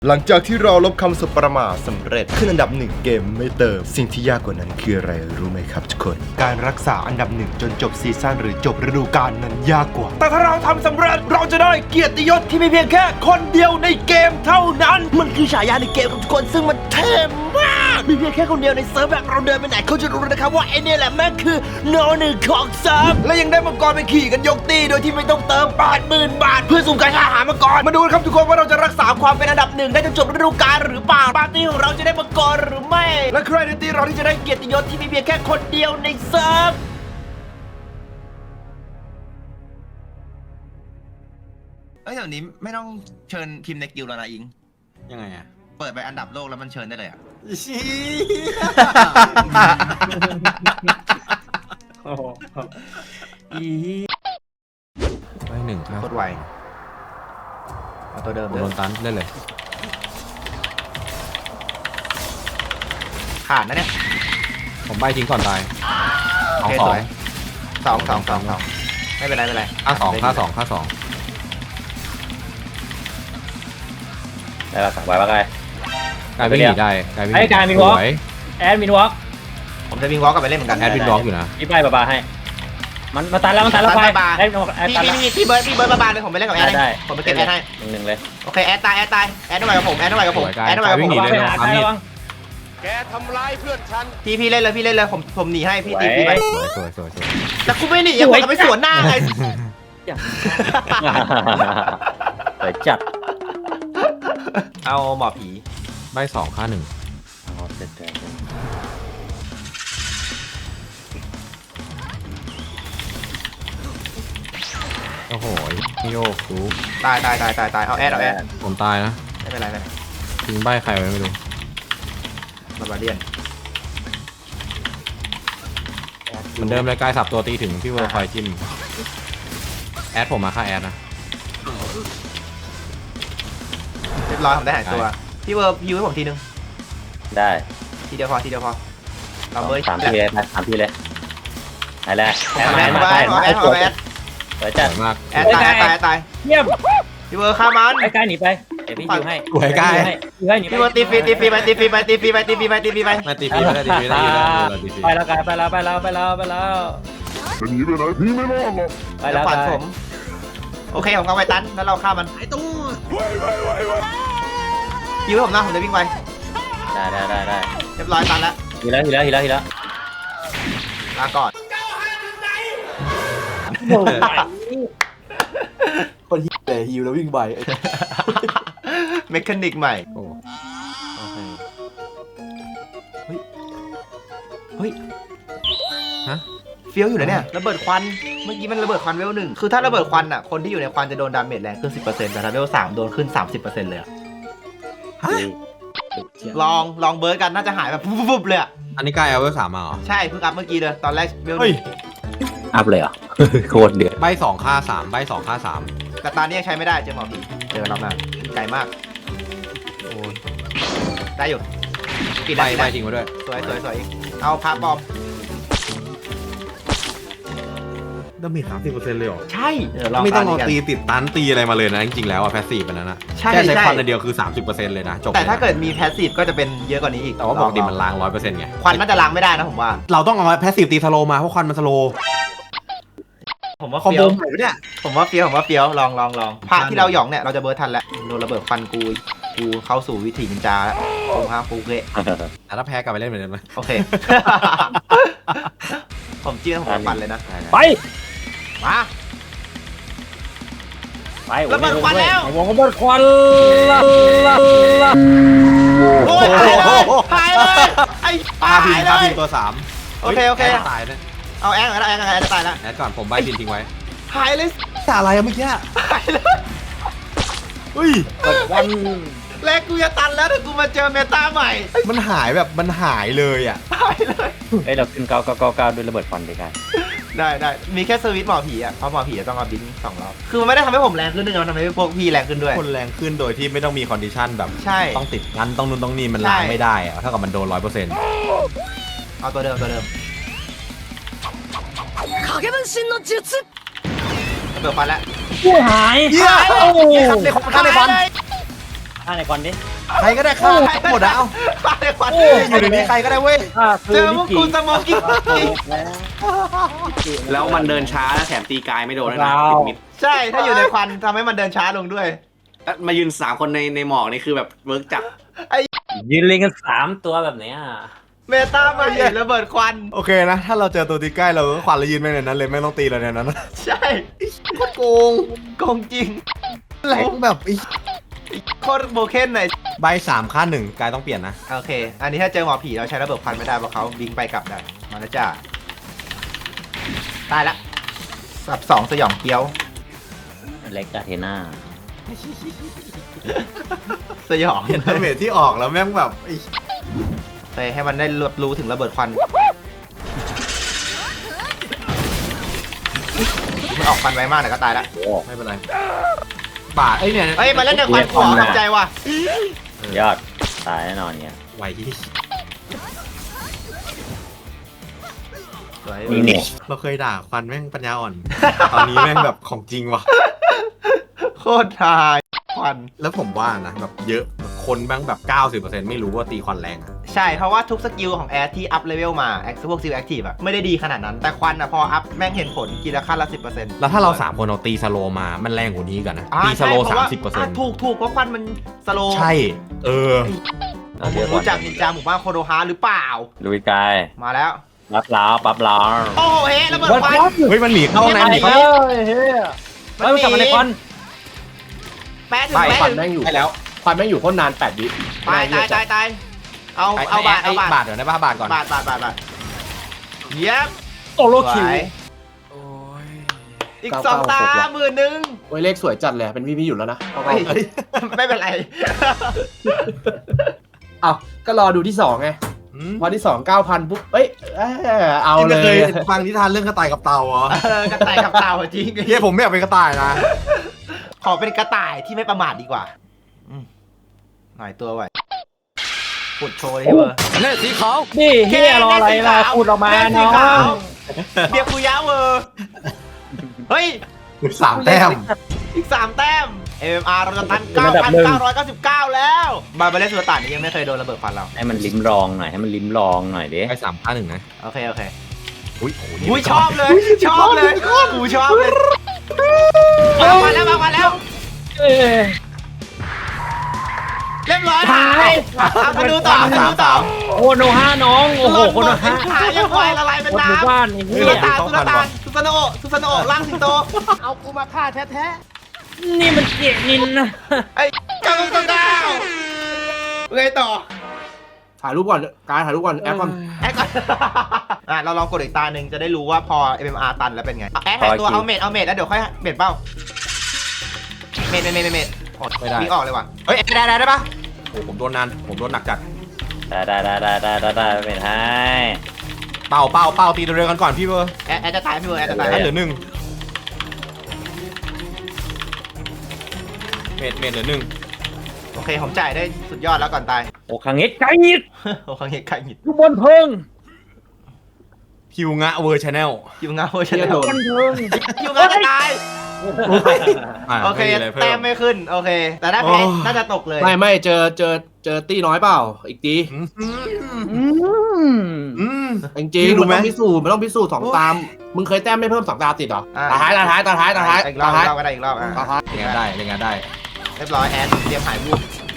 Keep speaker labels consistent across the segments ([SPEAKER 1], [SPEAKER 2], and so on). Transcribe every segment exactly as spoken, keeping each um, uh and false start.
[SPEAKER 1] หลังจากที่เราลบคำสบประมาทสำเร็จขึ้นอันดับหนึ่งเกมไม่เติมสิ่งที่ยากกว่านั้นคืออะไรรู้ไหมครับทุกคนการรักษาอันดับหนึ่งจนจบซีซั่นหรือจบฤดูกาลนั้นยากกว่าแต่ถ้าเราทำสำเร็จเราจะได้เกียรติยศที่มีเพียงแค่คนเดียวในเกมเท่านั้นมันคือฉายาในเกมของทุกคนซึ่งมันเท่มากมีเพียงแค่คนเดียวในเซิร์ฟแบบเราเดินไปไหนเขาจะรู้นะครับว่าไอเนี่ยแหละแม่งคือโนหนึ่งของเซิร์ฟและยังได้มังกรไปขี่กันยกตีโดยที่ไม่ต้องเติมแปดหมื่นบาทเพื่อสุ่มการหามังกรมาดูครับทุกคนว่าเราจะรักษาความเป็นอันดับหนึ่งได้จนจบฤดูกาลหรือเปล่าปาร์ตี้ของเราจะได้มังกรหรือไม่และใครในตีเราที่จะได้เกียรติยศที่มีเพียงแค่คนเดียวในเซิร์ฟ
[SPEAKER 2] เอ้ยเดี๋ยวนี้ไม่ต้องเชิญพิมพ์ในกิลด์แล้วนะอิง
[SPEAKER 3] ยังไงอ่ะ
[SPEAKER 2] เปิดไปอันดับโลกแล้วมันเชิญได้เลยอ่ะ
[SPEAKER 3] ชี้อีไปหนึ่งครับ
[SPEAKER 2] โคตรไวเอาตัวเดิม
[SPEAKER 3] โดนตันเล่นเลย
[SPEAKER 2] ขาดนะเนี่ย
[SPEAKER 3] ผมใบทิ้งก่อนตาย
[SPEAKER 2] โอเคสวยสองสองสองสองไม่เป็นไรไม่เป็นไร
[SPEAKER 3] ค่าสองค่าสองค่าสอง
[SPEAKER 4] ได้ปะไหวปะไง
[SPEAKER 3] กายวิ่งหนีได้กายวิ่ง
[SPEAKER 4] ไอ้กายมีวอล์กแอดมินวอล์ก
[SPEAKER 2] ผมจะวิ่งวอล์กกลับไปเล่นเหมือนกัน
[SPEAKER 3] แอดวินบล็อกอยู่นะ
[SPEAKER 4] พี่ใบบาบาให้มันมาตันแล้วมันตันแล้วไปแอดแอด
[SPEAKER 2] พี่
[SPEAKER 4] ตันแล้ว
[SPEAKER 2] พี่พี่เบิร์ดพี่เบิร์ดบาบาเลยผมไปเล่นกับแอดให้ผมไปเก็บแอดให้
[SPEAKER 4] หนึ่งหนึ่งเลย
[SPEAKER 2] โอเคแอดตายแอดตายแอดต้องไปกับผมแอดต้องไปกับผมแอดต้องไปกับผม
[SPEAKER 4] ไปหาใครระวัง
[SPEAKER 5] แกทำร้ายเพื่อนฉัน
[SPEAKER 2] พี่พี่เล่นเลยพี่เล่นเลยผมผมหนีให้พี่ตีพี่ไป
[SPEAKER 3] สวยสวยสวย
[SPEAKER 2] แต่กูไม่หนียังไงก็ไปสวนหน้าไง
[SPEAKER 4] ไปจัด
[SPEAKER 2] เอาหมอผี
[SPEAKER 3] ใบสองค่าหนึ่งโอ้โหโยกดู
[SPEAKER 2] ตายตายตายตายตายเอาแอดเอาแอด
[SPEAKER 3] ผมตายนะ
[SPEAKER 2] ไม่เป็นไรไม่เป็นไร
[SPEAKER 3] ทิ้งใบใครไว้ไม่รู้
[SPEAKER 2] บาบาเดียน
[SPEAKER 3] เหมือนเดิมเลยกายสับตัวตีถึงพี่เวอร์คอยจิ้มแอดผมมาค่าแอดนะ
[SPEAKER 2] เรียบร้อยผมได้หายตัวพี่เวิร์พิวให้ผมทีนึง
[SPEAKER 4] ได้
[SPEAKER 2] ทีเดียวพอทีเดียวพอเราเบอร์
[SPEAKER 4] สามทีเลยสามทีเลยไหนแหละแอด
[SPEAKER 2] แอ
[SPEAKER 4] มา
[SPEAKER 2] ด
[SPEAKER 4] แอด
[SPEAKER 2] มา
[SPEAKER 4] มา
[SPEAKER 2] แอดมาแอด
[SPEAKER 4] ไปจัด
[SPEAKER 3] สวยมาก
[SPEAKER 2] แอดตายตายตาย
[SPEAKER 4] เยี่ยม
[SPEAKER 2] พี่เวิร์ฆ่ามัน
[SPEAKER 4] ไอ้กายหนีไปเดี๋ยวพี่ยิวให้
[SPEAKER 3] สวยกาย
[SPEAKER 4] ยิวให้หนีไป
[SPEAKER 2] พี่เวิร์ตีฟีตีฟีไปตีฟีไปตีฟีไปตีฟีไปตีฟีไป
[SPEAKER 3] มาตีฟีไม่ได้ตีฟีไม่ได้ตีฟี
[SPEAKER 4] ไปแล้วกายไปแล้วไปแล้วไปแล้วไปแล้ว
[SPEAKER 5] จะหนีไปไหนพี่ไม่รอดหรอก
[SPEAKER 4] ไปแล้ว
[SPEAKER 2] ฝัน
[SPEAKER 4] กาย
[SPEAKER 2] ผมโอเคผมเอาไปตันแล้วเราฆ่ามัน
[SPEAKER 5] ไว้ไว้ไว้ไว้
[SPEAKER 2] พิวให้ผมนะผมจะวิ่งไป
[SPEAKER 4] ได้ได้ได้ได้
[SPEAKER 2] เรียบร้อยตันแล้ว
[SPEAKER 4] ทีแล้วทีแล้วทีแล้วทีแล้ว
[SPEAKER 2] ลาก่อน
[SPEAKER 6] คนฮิวเลยฮิวแล้ววิ่งไป
[SPEAKER 2] เมคานิกใหม่
[SPEAKER 3] โอ้
[SPEAKER 2] เฮ้ย
[SPEAKER 3] ฮะ
[SPEAKER 2] เฟี้ยวอยู่นะเนี่ยระเบิดควันเมื่อกี้มันระเบิดควันเวลหนึ่งคือถ้าระเบิดควันอ่ะคนที่อยู่ในควันจะโดนดาเมจแรงขึ้น สิบเปอร์เซ็นต์ แต่ถ้าเวลสามโดนขึ้น สามสิบเปอร์เซ็นต์ เลยอะลองลองเบิร์ดกันน่าจะหายแบบปุ๊บๆเลยอะ
[SPEAKER 3] อันนี้กายเอาเวลสามมาเหรอ
[SPEAKER 2] ใช่เพิ่งอัพเมื่อกี้เลยตอนแรกเวล
[SPEAKER 3] เฮ้ย
[SPEAKER 4] อัพเลยเหรอโคตรเดือด
[SPEAKER 3] ใบสองค่าสามใบสองค่าสาม
[SPEAKER 2] แต่ตอนนี้ยังใช้ไม่ได้เจอหมอผีเจอรอบหน้าไกลมาก
[SPEAKER 3] โอ้ย
[SPEAKER 2] ได้อยู่ปิด
[SPEAKER 3] ใบ
[SPEAKER 2] ได้ปิด
[SPEAKER 3] ใบ
[SPEAKER 2] ได้
[SPEAKER 3] ทิ้งไว้ด้วย
[SPEAKER 2] สวยสวยสวยอีกเอาพาปลอม
[SPEAKER 3] ดาเมจสามสิบเปอร์เซ็นต์เลยเหรอ
[SPEAKER 2] ใช่เดี๋ยวลอง
[SPEAKER 3] ไม่ต้อง
[SPEAKER 2] น
[SPEAKER 3] เอา
[SPEAKER 2] นี้กัน
[SPEAKER 3] ตีติดตันตีอะไรมาเลยนะจริงๆแล้วอะแพสซีฟอันนั้นนะ
[SPEAKER 2] ใช่
[SPEAKER 3] แค่ใช้
[SPEAKER 2] ใช่
[SPEAKER 3] ควันอันเดียวคือสามสิบเปอร์เซ็นต์เลยนะจบ
[SPEAKER 2] แต่ถ้า
[SPEAKER 3] ลยนะ
[SPEAKER 2] เกิดมีแพสซีฟก็จะเป็นเยอะกว่านี้อีก
[SPEAKER 3] แต่ว่าปกติมันล้างร้อยเปอร์เซ็นต์ไง
[SPEAKER 2] ควันน่าจะล้างไม่ได้นะผมว่า
[SPEAKER 3] เราต้องเอาแพสซีฟตีสโลมาเพราะควันมันสโล
[SPEAKER 2] ผมว่า
[SPEAKER 3] คอม
[SPEAKER 2] เฟี้
[SPEAKER 3] โบ
[SPEAKER 2] ยว
[SPEAKER 3] ใหม่เนี่ย
[SPEAKER 2] ผมว่าเฟี้ยวผมว่าเฟี้ยวลองลองลองพระที่เราหยองเนี่ยเราจะเบิร์ดทันแล้วโดนระเบิดควันกูกูเข้าสู่วิถีนินจาแล้วกูฮะกูเกะ
[SPEAKER 3] แต่ถ้าแพ้กลับไปเล่นเหมือนเดิมไหม
[SPEAKER 2] โอเค ผมจิ้มผมปั่นเลยนะ
[SPEAKER 4] ไป
[SPEAKER 2] มา
[SPEAKER 4] ไประเบิดควันแล้วระเบิดควันละละละ
[SPEAKER 2] โอ้ยหายเลยหายเลยไอ้
[SPEAKER 3] ปา
[SPEAKER 2] หา
[SPEAKER 3] พิน
[SPEAKER 2] ยเล
[SPEAKER 3] ปาพิ
[SPEAKER 2] ย
[SPEAKER 3] นตัวสาม
[SPEAKER 2] โอเคโอเค
[SPEAKER 3] แดตายนะ
[SPEAKER 2] เอาแองก่อนแล้วแองก่อนแองจะตายแล้ว
[SPEAKER 3] แอดก่อนผมใบพินทิ้งไว้
[SPEAKER 2] หายเลย
[SPEAKER 3] แต่อะไรอะเมื่อกี้
[SPEAKER 2] หายเลย
[SPEAKER 3] เฮ้ย
[SPEAKER 4] เปิดควัน
[SPEAKER 2] แรกกูจะตันแล้วแต่กูมาเจอเมตาใหม่
[SPEAKER 3] มันหายแบบมันหายเลยอ่ะ
[SPEAKER 2] หายเลย
[SPEAKER 4] เอ้ยเราขึ้นเก้าเก้าเก้าเก้าด้วยระเบิดควันด้วยกัน
[SPEAKER 2] ได้ได้มีแค่สวิตช์หมอผีอ่ะเพราะหมอผีจะต้องเอาบินสองรอบคือมันไม่ได้ทำให้ผมแรงขึ้นด้วยนะมันทำให้พวกพี่แรงขึ้นด้วย
[SPEAKER 3] คนแรงขึ้นโดยที่ไม่ต้องมีคอนดิชันแบบ
[SPEAKER 2] ใช่
[SPEAKER 3] ต้องติดกันต้องนู่นต้องนี่มันล้าง
[SPEAKER 2] ใช่
[SPEAKER 3] ไม่ได้อะเท่ากับมันโดนร้อยเปอร์เซ็นต์
[SPEAKER 2] เอาตัวเดิมตัวเดิมระเบิดควันแล้ว
[SPEAKER 4] ผู้หาย
[SPEAKER 3] เยี่ยม
[SPEAKER 4] โอ้โห
[SPEAKER 3] ในควันในควัน
[SPEAKER 4] ฆ่าในควันดิ
[SPEAKER 3] ใครก็ได้ฆ่าหมดอะเอา
[SPEAKER 2] ฆ่าในควัน
[SPEAKER 3] อยู่ในนี้ใครก็ได้เว้ย
[SPEAKER 4] อ่าคื
[SPEAKER 2] เจ
[SPEAKER 4] อ
[SPEAKER 2] อพวกกูสโมอกิ้ง
[SPEAKER 7] แล้วมันเดินช้าแล้วแถมตีกายไม่โดนด้วยนะติดมิด
[SPEAKER 2] ใช่ถ้าอยู่ในควันทำให้มันเดินช้าลงด้วย
[SPEAKER 7] แล้วมายืนสามคนในในหมอกนี่คือแบบเวิร์กจัด
[SPEAKER 4] ยืนเรียงกันสามตัวแบบเนี้ย
[SPEAKER 2] เมตามาเห็นระเบิดควัน
[SPEAKER 3] โอเคนะ ถ้าเราเจอตัวตีใกล้เราก็ควันแล้วยืนไปในนั้นเลยไม่ต้องตีเราในนั้น
[SPEAKER 2] ใช่โคตรโกงโกงจริง
[SPEAKER 3] แรงแบบอี
[SPEAKER 2] โคตรโบเคนเลย
[SPEAKER 3] ใบสามค่าหนึ่งกายต้องเปลี่ยนนะ
[SPEAKER 2] โอเค อันนี้ถ้าเจอหมอผีเราใช้ระเบิดควันไม่ได้เพราะเขาบิงไปกลับได้มาแล้วจ้าตายละสับสองสยองเกี้ยว
[SPEAKER 4] เล็กกาเทน่า
[SPEAKER 2] สยอง
[SPEAKER 3] เห็นดาเมจที่ออกแล้วแม่งแบบอี
[SPEAKER 2] ไปให้มันได้รับรู้ถึงระเบิดควันมันออกควันไวมากแต่ก็ตายละ
[SPEAKER 3] ไม่เป็นไรบาดเอ้ยเนี่ย
[SPEAKER 2] เฮ้ยมาเล่นในควันขวาทำใจว่ะ
[SPEAKER 4] ยอดตายแน่นอนเนี่ย
[SPEAKER 3] ไหวที่
[SPEAKER 2] สวย
[SPEAKER 4] นี่เนี่ย
[SPEAKER 3] เราเคยด่าควันแม่งปัญญาอ่อน ตอนนี้แม่งแบบของจริงว่ะ
[SPEAKER 2] โคตรทายควัน
[SPEAKER 3] แล้วผมว่านะแบบเยอะคนแม่งแบบ เก้าสิบเปอร์เซ็นต์ ไม่รู้ว่าตีควันแรงอะ
[SPEAKER 2] ใช่เพราะว่าทุกสกิลของแอดที่อัพเลเวลมาแอคพวกซิลแอคทีฟอะไม่ได้ดีขนาดนั้นแต่ควันอะพออัพแม่งเห็นผลกีละขั้นละสิบเปอร์เซ็นต์
[SPEAKER 3] แล้วถ้าเราสามคนเราตีสโลว์มา มันแรงกว่านี้กันนะ ตีสโลว์สามสิบเปอร์เซ็นต์
[SPEAKER 2] ถูกถูกเพราะควันมันสโล
[SPEAKER 3] ใช่ เออ
[SPEAKER 4] เราเรียก
[SPEAKER 2] รู้
[SPEAKER 4] ว่า
[SPEAKER 2] จักนินจาหมู่บ้านโคโดฮาหรือเปล่า
[SPEAKER 4] ลุยกาย
[SPEAKER 2] มาแล้ว
[SPEAKER 4] ปั๊บล้าวปั๊บล้าว
[SPEAKER 2] โอ้โหเฮ้ระเบิดควัน
[SPEAKER 3] เฮ้ยมันหนีเข้าน้ำหนีเข้า
[SPEAKER 4] เฮ้ยเฮ้ยมันกลับมาในควัน
[SPEAKER 2] แปะถึง
[SPEAKER 6] ไป
[SPEAKER 2] แปะ
[SPEAKER 6] ควัน
[SPEAKER 2] ถึง
[SPEAKER 6] แม่งอยู่
[SPEAKER 3] ได้แล้ว
[SPEAKER 6] ควันแม่งอยู่โคตรนานแปดวิ
[SPEAKER 2] ตายตายตายตายเอา
[SPEAKER 3] ไอ้
[SPEAKER 2] เอาบาท
[SPEAKER 3] ไอ้
[SPEAKER 2] เอาบาท
[SPEAKER 3] บาทเดี๋ยวได้ป่ะบาทก่อน
[SPEAKER 2] บาทบาทบาทบาทเย็บ
[SPEAKER 4] โอโล
[SPEAKER 2] ส
[SPEAKER 4] คิว
[SPEAKER 2] วยอีกสองตาหมื่นหนึ่ง
[SPEAKER 6] โอ้ยเลขสวยจัดเลยเป็นพี่พี่อยู่แล้วนะเอา
[SPEAKER 2] เฮ้ยไม่เป็นไร
[SPEAKER 6] เอาก็รอดูที่สองไง
[SPEAKER 3] อืม
[SPEAKER 6] วันที่สองเก้าพันปุ๊บเอ้ยเอ้ยเอา
[SPEAKER 3] ที่
[SPEAKER 6] เล
[SPEAKER 3] ไม่เคย
[SPEAKER 6] ย
[SPEAKER 3] ฟังนิทานเรื่องกระต่ายกับเต่าเหรอ
[SPEAKER 2] เออกระต่ายกับเต่าจริง
[SPEAKER 3] เฮียผมไม่อยากเป็นกระต่ายนะ
[SPEAKER 2] ขอเป็นกระต่ายที่ไม่ประมาทดีกว่าอืมหน่อยตัวไว้ปุดโชว์เลยที่เบอร์
[SPEAKER 3] เล่สีขาว
[SPEAKER 4] นี่เฮียรออะไรล่ะพูดออกมา
[SPEAKER 2] แม่สี
[SPEAKER 4] เนาะ
[SPEAKER 2] ขาวเบียร์คุยะเวอร์เฮ้ย
[SPEAKER 3] สามแต้ม
[SPEAKER 2] อีกสามแต้ม เอ็ม อาร์ เราจะตัน เก้าพันเก้าร้อยเก้าสิบเก้า แล้วบาร์เบเลสสุลต่านนี่ยังไม่เคยโดนระเบิดควันเรา
[SPEAKER 4] ให้มันลิ้มลองหน่อยให้มันลิ้มลองหน่อยดิ
[SPEAKER 3] ไปสามค่าหนึ่งนะ
[SPEAKER 2] โอเค โอเค
[SPEAKER 3] อุ้ยโอ้โหนี่
[SPEAKER 2] อุ้ยชอบเลย ชอบเลยกูชอบเลยมามาแล้วมามาแล้ว
[SPEAKER 4] เอ้ย
[SPEAKER 2] เรียบร้อยหายเอามาดูต่อมาดูต่อ
[SPEAKER 4] โคโนฮาน้องโอ้โหโคโนฮา
[SPEAKER 2] หายยังไวละลายเป็น
[SPEAKER 4] หมดหมู่
[SPEAKER 2] น้ำ
[SPEAKER 4] บ้านไอ้เหี้
[SPEAKER 2] สุ
[SPEAKER 4] ย
[SPEAKER 2] ลต่านสุลต่านสุสานโอสุสานโอร่างสิงโต
[SPEAKER 8] เอากูมาฆ่าแท้
[SPEAKER 4] นี่มันเกียนินนะ
[SPEAKER 2] ไอ้เก้าเก้าเก้าไงต่อ
[SPEAKER 6] ถ่ายรูปก่อนกายถ่ายรูปก่อนแอปก่อน
[SPEAKER 2] แอคก่อนอ่ะเราลองกดอีกตาหนึ่งจะได้รู้ว่าพอ เอ็ม เอ็ม อาร์ ตันแล้วเป็นไงแอคหายตัวเอาเมดเอาเมดแล้วเดี๋ยวค่อยเมดเป้าเมดเมดเมดเมดอดวิ่งออกเลยว่ะ
[SPEAKER 3] เฮ้ยได้ได้ได้ปะโอ้ผมโดนนานผมโดนหนักจัด
[SPEAKER 4] ได้ได้ได้ได้ได้ได้ได้เป็นให้
[SPEAKER 3] เป่าเป่าเป่าตีตัวเร็วกันก่อนพี่เบอร์
[SPEAKER 2] แอคแอคจะตายพี่เบอร์แอคจะตาย
[SPEAKER 3] ให้เหลือหนึ่งเมดเมดเหลือหนึ่ง
[SPEAKER 2] โอเคผมจ่ายได้สุดยอดแล้วก่อนตาย
[SPEAKER 4] โอ้ขังเงี้ไก่ยิด
[SPEAKER 2] โอ้ครั้งนี้ใครหงิด
[SPEAKER 4] อยู่บนเพิง
[SPEAKER 3] ฮิวงะเวอร์ชแนล
[SPEAKER 2] คิวเงาใช่ไหม
[SPEAKER 4] บนเพิง
[SPEAKER 2] คิวเงาจะตายโอเคแต้มไม่ขึ้นโอเค แต่ถ้าแพ้น่าจะตกเลย
[SPEAKER 6] ไม่ไม่เจอเจอเจอตี้น้อยเปล่าอีกตี
[SPEAKER 4] อืม
[SPEAKER 3] อืม
[SPEAKER 6] จริง
[SPEAKER 3] พี่
[SPEAKER 6] ๆ
[SPEAKER 3] รู้
[SPEAKER 6] มัน
[SPEAKER 3] ไหม
[SPEAKER 6] ต้องพิสูจน์มันต้องพิสูจน์สองตามมึงเคยแต้มไม่เพิ่มสองตามติดเหรอ
[SPEAKER 2] อ่า
[SPEAKER 6] ตาท้ายตาท้ายตาท้ายตาท้าย
[SPEAKER 2] อีกรอ
[SPEAKER 6] ตา
[SPEAKER 2] บ
[SPEAKER 6] ท้าย
[SPEAKER 2] อีกรอบก็ได้อีกรอบอ่ะ
[SPEAKER 6] ตาท้าย
[SPEAKER 3] เล่นงานได้เล่นงานได้
[SPEAKER 2] เรียบร้อยแอดเตรียมหายวูบ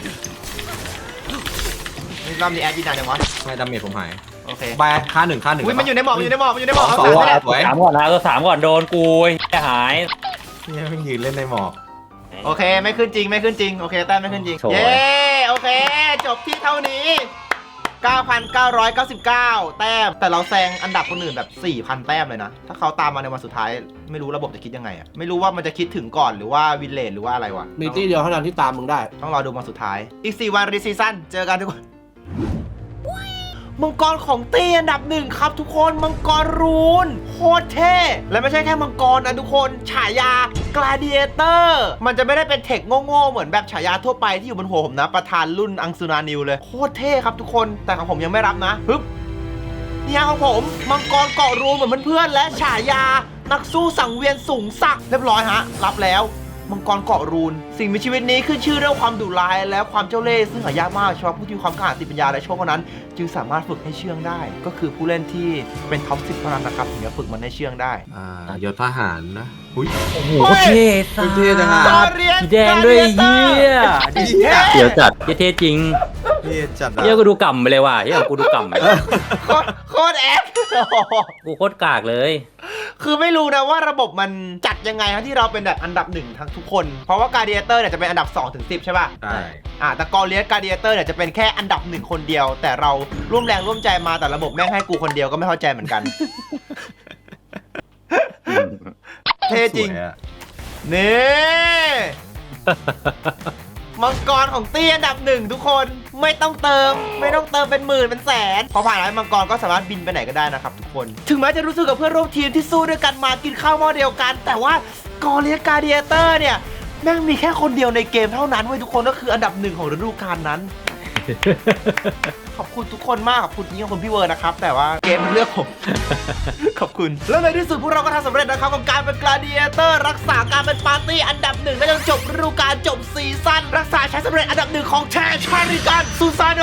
[SPEAKER 2] นี่รอบนี้แอดยินนานยังวะ
[SPEAKER 3] ไม่ดาเมจผมหาย
[SPEAKER 2] โอเค
[SPEAKER 3] ใบค่าหนึ่งค่าหนึ่ง
[SPEAKER 2] อุ้ยมันอยู่ในหมอกมันอยู่ในหมอกมันอยู่ในหมอก
[SPEAKER 3] ส
[SPEAKER 2] เอา
[SPEAKER 3] อง
[SPEAKER 2] สาม
[SPEAKER 3] สอง
[SPEAKER 2] ไปแล้ว
[SPEAKER 3] สวย
[SPEAKER 4] สามก่อนนะตัวสามก่อนโดนกูจะหาย
[SPEAKER 3] เนี่ยไม่ยืนเล่นในหมอก
[SPEAKER 2] โอเคไม่ขึ้นจริงไม่ขึ้นจริงโอเคแต้มไม่ขึ้นจริง
[SPEAKER 4] โถ่
[SPEAKER 2] เย้โอเคจบที่เท่านี้ เก้าพันเก้าร้อยเก้าสิบเก้า แต้มแต่เราแซงอันดับคนอื่นแบบ สี่พัน แต้มเลยนะถ้าเขาตามมาในวันสุดท้ายไม่รู้ระบบจะคิดยังไงอะไม่รู้ว่ามันจะคิดถึงก่อนหรือว่าวินเลจหรือว่าอะไรวะ
[SPEAKER 6] มีตี้เดียวเท่านั้นที่ตามมึงได้
[SPEAKER 2] ต้องรอดูวันสุดท้ายอีกสี่วันรีซีซั่นเจอกันทุกคนมังกรของตีอันดับหนึ่งครับทุกคนมังกรรูนโคตรเท่และไม่ใช่แค่มังกรนะทุกคนฉายากลาดิเอเตอร์มันจะไม่ได้เป็นเทคโง่ๆเหมือนแบบฉายาทั่วไปที่อยู่บนหัวผมนะประธานรุ่นอังสุนานิวเลยโคตรเท่ครับทุกคนแต่ของผมยังไม่รับนะฮึบเนี่ยของผมมังกรเกาะรูนเหมือนเพื่อนๆและฉายานักสู้สังเวียนสูงสักดิ์เรียบร้อยฮะรับแล้วมังกรเกาะรูนสิ่งมีชีวิตนี้ขึ้นชื่อเรื่องความดุร้ายและความเจ้าเล่ห์ซึ่งหายากมากเฉพาะผู้ที่มีความกล้าหาญติปัญญาและโชคเท่านั้นจึงสามารถฝึกให้เชื่องได้ก็คือผู้เล่นที่เป็นท็อปสิบเท่านั้นนะครับถึงจะฝึกมันให้เชื่องได้
[SPEAKER 3] อ่ายศทหารนะ
[SPEAKER 4] โอ้โหเท่สัส
[SPEAKER 3] เท่จังอ่ะ
[SPEAKER 2] กอเรียน
[SPEAKER 4] สีแดงด้วยเฮีย
[SPEAKER 3] เดี๋ยวจัด
[SPEAKER 4] เท่จริง
[SPEAKER 3] เท่จัด
[SPEAKER 4] เฮียกูดูกำไปเลยว่ะเฮียกูดูกำไปเลย
[SPEAKER 2] โคตรโคตรแอค
[SPEAKER 4] กูโคตรกากเลย
[SPEAKER 2] คือไม่รู้นะว่าระบบมันจัดยังไงฮะที่เราเป็นแบบอันดับหนึ่งทั้งทุกคน เพราะว่าการ์เดียเตอร์เนี่ยจะเป็นอันดับสองถึงสิบใช่ป่ะ
[SPEAKER 3] ใช่
[SPEAKER 2] อ่าแต่กอเลียสการ์เดียเตอร์เนี่ยจะเป็นแค่อันดับหนึ่งคนเดียว แต่เราร่วมแรงร่วมใจมาแต่ระบบแม่งให้กูคนเดียวก็ไม่เข้าใจเหมือนกัน เท่จริง
[SPEAKER 3] สวยอะ
[SPEAKER 2] นี่มังกรของตี้อันดับหนึ่งทุกคนไม่ต้องเติม ไม่ต้องเติมเป็นหมื่นเป็นแสนพอผ่านแล้วมังกรก็สามารถบินไปไหนก็ได้นะครับทุกคน ถึงแม้จะรู้สึกกับเพื่อนร่วมทีมที่สู้ด้วยกันมากินข้าวหม้อเดียวกัน แต่ว่ากอเลียการ์เดียเตอร์เนี่ยแม่งมีแค่คนเดียวในเกมเท่านั้นเว้ยทุกคนก็คืออันดับหนึ่งของฤดูกาลนั้น ขอบคุณทุกคนมากขอบคุณจริงๆขอบคุณพี่เวิร์ดนะครับแต่ว่าเกมมันเลือกผม ขอบคุณแล้วในที่สุดพวกเราก็ทำสำเร็จนะครับกับการเป็นกลาดิเอเตอร์รักษาการเป็นปาร์ตี้อันดับหนึ่งได้จนจบฤดูกาลจบซีซั่นรักษาใช้สำเร็จอันดับหนึ่งของแทชาริกันซูซาน